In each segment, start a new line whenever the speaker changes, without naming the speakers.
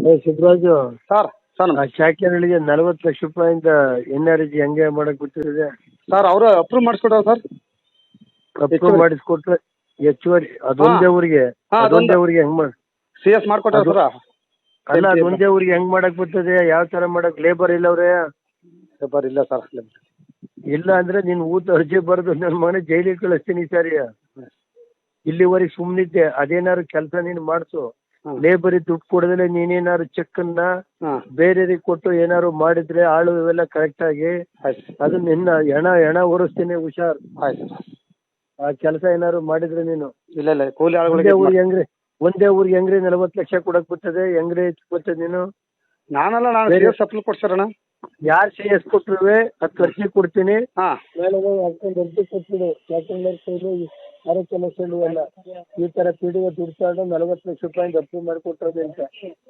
Siddaraju,
sir sir
ಆ ಶಾಖೆಗಳಿಗೆ 40 ಲಕ್ಷ ರೂಪಾಯಿಂದ NRG ಹೆಂಗೆ ಮಾಡಕ್ ಬಿಟ್ಟಿದೆ?
ಸರ್ ಅವರು ಅಪ್ರೂವ್ ಮಾಡಿಸ್ಕೊಟ್ಟಾರ ಸರ್.
ಅಪ್ರೂವ್ ಮಾಡಿಸ್ಕೊಟ್ರೆ ಹೆಚ್ಚುವರಿ ಅದೊಂದೇ ಊರಿಗೆ
ಹಾ,
ಅದೊಂದೇ ಊರಿಗೆ ಹೆಂಗ್ ಮಾಡ್
ಸಿ ಎಸ್ ಮಾಡ್ಕೊಟ್ಟಾರ ಸರ್.
ಅಲ್ಲ ಅದೊಂದೇ ಊರಿಗೆ ಹೆಂಗ್ ಮಾಡಕ್ ಬರ್ತದೆ? ಯಾವ ತರ ಮಾಡಕ್? ಲೇಬರ್ ಇಲ್ಲವ್ರೆ?
ಪೇಪರ್ ಇಲ್ಲ ಸರ್.
ಇಲ್ಲ ಅಂದ್ರೆ ನೀನ್ ಊಟ ಅರ್ಜಿ ಬರೆದು ನನ್ನ ಮನೆ ಜೈಲಿಗೆ ಕಳಿಸ್ತೀನಿ ಈ ಸಾರಿ. ಇಲ್ಲಿವರೆಗೆ ಸುಮ್ನಿದ್ದೆ, ಅದೇನಾದ್ರು ಕೆಲಸ ನೀನು ಮಾಡಿಸು. ಲೇಬರಿಗೆ ದುಡ್ಡು ಕೊಡದಲೆ ನೀನೇನಾದ್ರು ಚೆಕ್ ಅನ್ನ ಬೇರೆಯವ್ರಿಗೆ ಕೊಟ್ಟು ಏನಾದ್ರು ಮಾಡಿದ್ರೆ ಆಳು ಇವೆಲ್ಲ ಕರೆಕ್ಟ್ ಆಗಿ ಅದು ನಿನ್ನ ಹೆಣ ಒರೆಸ್ತೀನಿ, ಹುಷಾರ್. ಆ ಕೆಲಸ ಏನಾದ್ರು ಮಾಡಿದ್ರೆ ನೀನು
ಇಲ್ಲ ಇಲ್ಲ ಕೂಲಿ
ಒಂದೇ
ಆಳುಗಳಿಗೆ
ಊರಿಗೆ ಹೆಂಗ್ರಿ 40 ಲಕ್ಷ ಕೊಡಕ್ ಬರ್ತದೆ? ಹೆಂಗ್ರಿ ಬರ್ತದೆ? ನೀನು
ನಾನಲ್ಲ, ನಾನು ಸಿ ಎಸ್ ಅಪ್ರೂವ್ ಕೊಡ್ಸರಣ.
ಯಾರು CS ಕೊಟ್ರುವೆ 10 ಅರ್ಜಿ ಕೊಡ್ತೀನಿ.
ಹಾ
ಮೇಲೆ ಹಾಕೊಂಡು ಅರ್ಜಿ ಕೊಟ್ಬಿಡು. ಯಾಕಂದ್ರೆ ಆರೋಗ್ಯ ಲಕ್ಷಗಳು ಎಲ್ಲ ಈ ತರ PDO ದುಡ್ಡು ತಗೊಂಡು 40 ಲಕ್ಷ ರೂಪಾಯಿಂದ ಅಪ್ರೂವ್ ಮಾಡಿಕೊಟ್ಟೋದು ಅಂತ.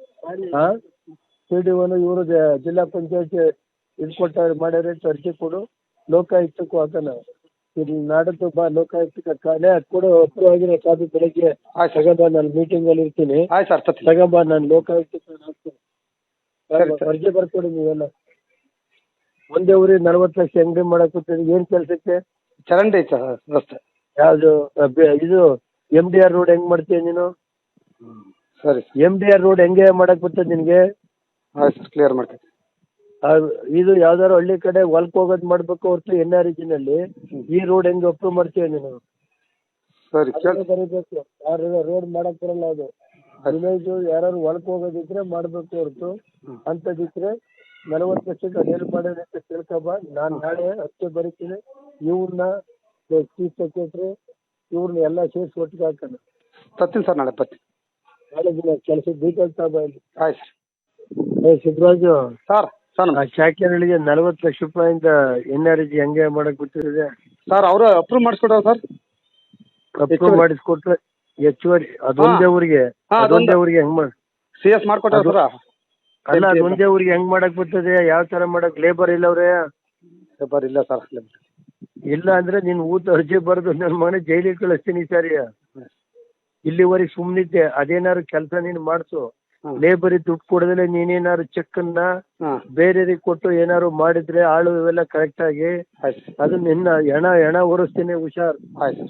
PDOನು ಇವರು ಜಿಲ್ಲಾ ಪಂಚಾಯತ್ ಇದು ಕೊಟ್ಟ ಮಾಡ್ಯಾರ ಅಂತ ಅರ್ಜಿ ಕೊಡು. ಲೋಕಾಯುಕ್ತಕ್ಕೂ ಹಾಕೋಣ. ಇದು ನಾಡದ್ದು ಬಾ, ಲೋಕಾಯುಕ್ತಕ್ಕೆ ಕಾಲೇ ಅದು ಕೊಡು. ಅಪ್ರೂವ್ ಆಗಿರೋ ಕಾಪಿ ಬೆಳಗ್ಗೆ ತಗೊಂಬ, ನಾನು ಮೀಟಿಂಗ್ ಅಲ್ಲಿ ಇರ್ತೀನಿ.
ಆಯ್ತು ಸರ್, ತತ್ತಿ
ತಗೊಂಬ, ನಾನು ಲೋಕಾಯುಕ್ತಕ್ಕೆ ಹಾಕ್ತೀನಿ.
ಸರಿ ಸರ್.
ಅರ್ಜಿ ಬರ್ಕೊಡಿ ನೀವೆಲ್ಲ. ಒಂದೇ ಊರಿಗೆ 40 ಲಕ್ಷ ಅಂಗಡಿ ಮಾಡಕ್ ಕೂತಿದ್ರೆ ಏನ್ ಕೆಲ್ಸಕ್ಕೆ?
ಚರಂಡಿ ಐತೆ ಸರ್ ರಸ್ತೆ.
ಯಾವ್ದು ಇದು MDR ರೋಡ್ ಹೆಂಗ್ ಮಾಡ್ತೀಯ ನೀನು?
ಸರಿ
MDR ರೋಡ್ ಹೆಂಗೆ ಮಾಡಕ್ ಬರ್ತದೆ ನಿನ್ಗೆ?
ಆಯ್ತು ಸರ್, ಕ್ಲಿಯರ್ ಮಾಡ್ತೀನಿ.
ಇದು ಯಾವ್ದಾದ್ರು ಹಳ್ಳಿ ಕಡೆ ಹೊಲ್ಕ್ ಹೋಗೋದ್ ಮಾಡ್ಬೇಕು ಹೊರತು NRG ನಲ್ಲಿ ಈ ರೋಡ್ ಹೆಂಗ್ ಅಪ್ರೂವ್ ಮಾಡ್ತೀಯ ನೀನು?
ಸರಿ
ಬರೀಬೇಕು. ಯಾರು ರೋಡ್ ಮಾಡಕ್ ಬರಲ್ಲ ಅದು. ವಿಲೇಜ್ ಯಾರು ಹೊಲ್ಕ್ ಹೋಗೋದಿದ್ರೆ ಮಾಡ್ಬೇಕು ಹೊರತು ಅಂತದಿದ್ರೆ 40 ಲಕ್ಷಕ್ಕೆ ಅದೇನು ಮಾಡೋದು ಅಂತ ತಿಳ್ಕೊಬ. ನಾನು ನಾಳೆ ಅಷ್ಟೇ ಬರೀತೀನಿ. ಇವ್ರನ್ನ ಚೀಫ್ ಸೆಕ್ರೆಟರಿ ಇವ್ರನ್ನ ಎಲ್ಲ ಸೇರಿಸಿ ಒಟ್ಟಿಗೆ ಹಾಕೋಣ.
ತತ್ತೀನಿ ಸರ್, ನಾಳೆ ಬರ್ತೀನಿ.
ನಾಳೆ ದಿನ ಕೆಲಸ ಡೀಟೇಲ್ಸ್ ತಗೋ ಇಲ್ಲಿ.
ಆಯ್ತು
ಸಿದ್ದರಾಜು,
ಸರ್ ಸರ್
ಆ ಶಾಖೆಗಳಿಗೆ 40 ಲಕ್ಷ ರೂಪಾಯಿಂದ NRG ಹೆಂಗೆ ಮಾಡಕ್ ಬಿಟ್ಟಿದೆ?
ಸರ್ ಅವರು ಅಪ್ರೂವ್ ಮಾಡಿಸ್ಕೊಟ್ಟಾರ ಸರ್.
ಅಪ್ರೂವ್ ಮಾಡಿಸ್ಕೊಟ್ರೆ ಹೆಚ್ಚುವರಿ ಅದೊಂದೇ ಊರಿಗೆ ಹೆಂಗ್ ಮಾಡ್
ಸಿ ಎಸ್ ಮಾಡ್ಕೊಟ್ಟಾರ ಸರ್.
ಅಲ್ಲ ಅದೊಂದೇ ಊರಿಗೆ ಹೆಂಗ್ ಮಾಡಕ್ ಬರ್ತದೆ? ಯಾವ ತರ ಮಾಡಕ್? ಲೇಬರ್ ಇಲ್ಲವ್ರೆ?
ಪೇಪರ್ ಇಲ್ಲ ಸರ್.
ಇಲ್ಲ ಅಂದ್ರೆ ನೀನ್ ಊಟ ಅರ್ಜಿ ಬರೆದು ನನ್ನ ಮನೆ ಜೈಲಿಗೆ ಕಳಿಸ್ತೀನಿ ಈ ಸಾರಿ. ಇಲ್ಲಿವರೆಗೆ ಸುಮ್ನಿದ್ದೆ, ಅದೇನಾದ್ರು ಕೆಲಸ ನೀನು ಮಾಡಿಸು. ಲೇಬರಿಗೆ ದುಡ್ಡು ಕೊಡದಲೆ ನೀನೇನಾದ್ರು ಚೆಕ್ ಅನ್ನ ಬೇರೆಯವ್ರಿಗೆ ಕೊಟ್ಟು ಏನಾದ್ರು ಮಾಡಿದ್ರೆ ಆಳು ಇವೆಲ್ಲ ಕರೆಕ್ಟ್ ಆಗಿ ಅದು ನಿನ್ನ ಹೆಣ ಒರೆಸ್ತೀನಿ, ಹುಷಾರ್.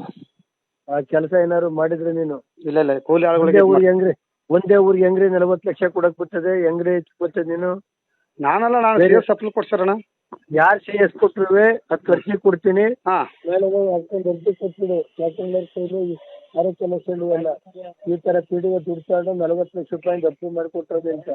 ಆ ಕೆಲಸ ಏನಾದ್ರು ಮಾಡಿದ್ರೆ ನೀನು
ಇಲ್ಲ ಇಲ್ಲ ಕೂಲಿ ಆಳುಗಳಿಗೆ
ಒಂದೇ ಊರಿಗೆ ಹೆಂಗ್ರಿ 40 ಲಕ್ಷ ಕೊಡಕ್ ಬರ್ತದೆ? ಹೆಂಗ್ರಿ ಬರ್ತದೆ ನೀನು?
ನಾನಲ್ಲ, ನಾನು ಸಿ ಎಸ್ ಅಪ್ರೂವ್ ಕೊಡ್ಸರಣ.
ಯಾರು CS ಕೊಟ್ರುವೆ 10 ಅರ್ಜಿ ಕೊಡ್ತೀನಿ.
ಹಾ
ಮೇಲೆ ಹಾಕೊಂಡು ಅರ್ಜಿ ಕೊಟ್ಬಿಡು. ಯಾಕಂದ್ರೆ ಆರೋಗ್ಯ ಲಕ್ಷಗಳು ಎಲ್ಲ ಈ ತರ PDO ದುಡ್ಡು ತಗೊಂಡು 40 ಲಕ್ಷ ರೂಪಾಯಿಂದ ಅಪ್ರೂವ್ ಮಾಡಿಕೊಟ್ಟೋದು ಅಂತ.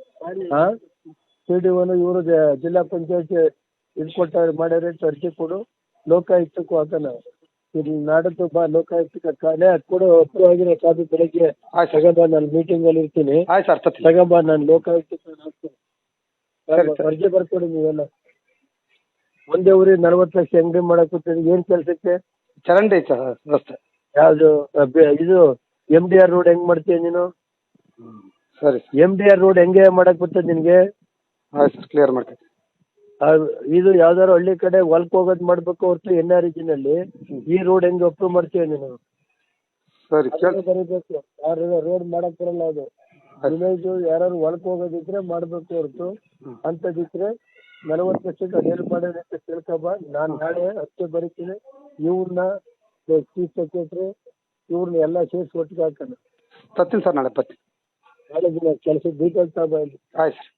PDOನು ಇವರು ಜಿಲ್ಲಾ ಪಂಚಾಯತ್ ಇದು ಕೊಟ್ಟ ಮಾಡ್ಯಾರ ಅಂತ ಅರ್ಜಿ ಕೊಡು. ಲೋಕಾಯುಕ್ತಕ್ಕೂ ಹಾಕೋಣ. ಇದು ನಾಡದ್ದು ಬಾ, ಲೋಕಾಯುಕ್ತಕ್ಕೆ ಕಾಲೇ ಅದು ಕೊಡು. ಅಪ್ರೂವ್ ಆಗಿರೋ ಕಾಪಿ ಬೆಳಗ್ಗೆ ತಗೊಂಬ, ನಾನು ಮೀಟಿಂಗ್ ಅಲ್ಲಿ ಇರ್ತೀನಿ.
ಆಯ್ತು ಸರ್, ತತ್ತಿ
ತಗೊಂಬ, ನಾನು ಲೋಕಾಯುಕ್ತಕ್ಕೆ ಹಾಕ್ತೀನಿ. ಅರ್ಜಿ ಬರ್ಕೊಡಿ ನೀವೆಲ್ಲ. ಒಂದೇ ಊರಿಗೆ 40 ಲಕ್ಷ ಅಂಗಡಿ ಮಾಡಕ್ ಕೂತಿದ್ರೆ ಏನ್ ಕೆಲ್ಸಕ್ಕೆ?
ಚರಂಡಿ ಐತೆ ಸರ್ ರಸ್ತೆ.
ಯಾವ್ದು ಇದು MDR ರೋಡ್ ಹೆಂಗ್ ಮಾಡ್ತೀಯ ನೀನು?
ಸರಿ
MDR ರೋಡ್ ಹೆಂಗೆ ಮಾಡಕ್ ಬರ್ತದೆ ನಿನ್ಗೆ?
ಆಯ್ತು ಸರ್, ಕ್ಲಿಯರ್ ಮಾಡ್ತೀನಿ.
ಇದು ಯಾವ್ದಾದ್ರು ಹಳ್ಳಿ ಕಡೆ ಹೊಲ್ಕ್ ಹೋಗೋದ್ ಮಾಡ್ಬೇಕು ಹೊರತು NRG ನಲ್ಲಿ ಈ ರೋಡ್ ಹೆಂಗ್ ಅಪ್ರೂವ್ ಮಾಡ್ತೀಯ ನೀನು?
ಸರಿ
ಬರೀಬೇಕು. ಯಾರು ರೋಡ್ ಮಾಡಕ್ ಬರಲ್ಲ ಅದು. ವಿಲೇಜ್ ಯಾರು ಹೊಲ್ಕ್ ಹೋಗೋದಿದ್ರೆ ಮಾಡ್ಬೇಕು ಹೊರತು ಅಂತದಿದ್ರೆ 40 ಲಕ್ಷಕ್ಕೆ ಅದೇನು ಮಾಡೋದು ಅಂತ ತಿಳ್ಕೊಬ. ನಾನು ನಾಳೆ ಅಷ್ಟೇ ಬರೀತೀನಿ. ಇವ್ರನ್ನ ಚೀಫ್ ಸೆಕ್ರೆಟರಿ ಇವ್ರನ್ನ ಎಲ್ಲ ಸೇರಿಸಿ ಒಟ್ಟಿಗೆ ಹಾಕೋಣ.
ತತ್ತೀನಿ ಸರ್, ನಾಳೆ ಬರ್ತೀನಿ.
ನಾಳೆ ದಿನ ಕೆಲಸ ಡೀಟೇಲ್ಸ್ ತಗೋ ಇಲ್ಲಿ.
ಆಯ್ತು.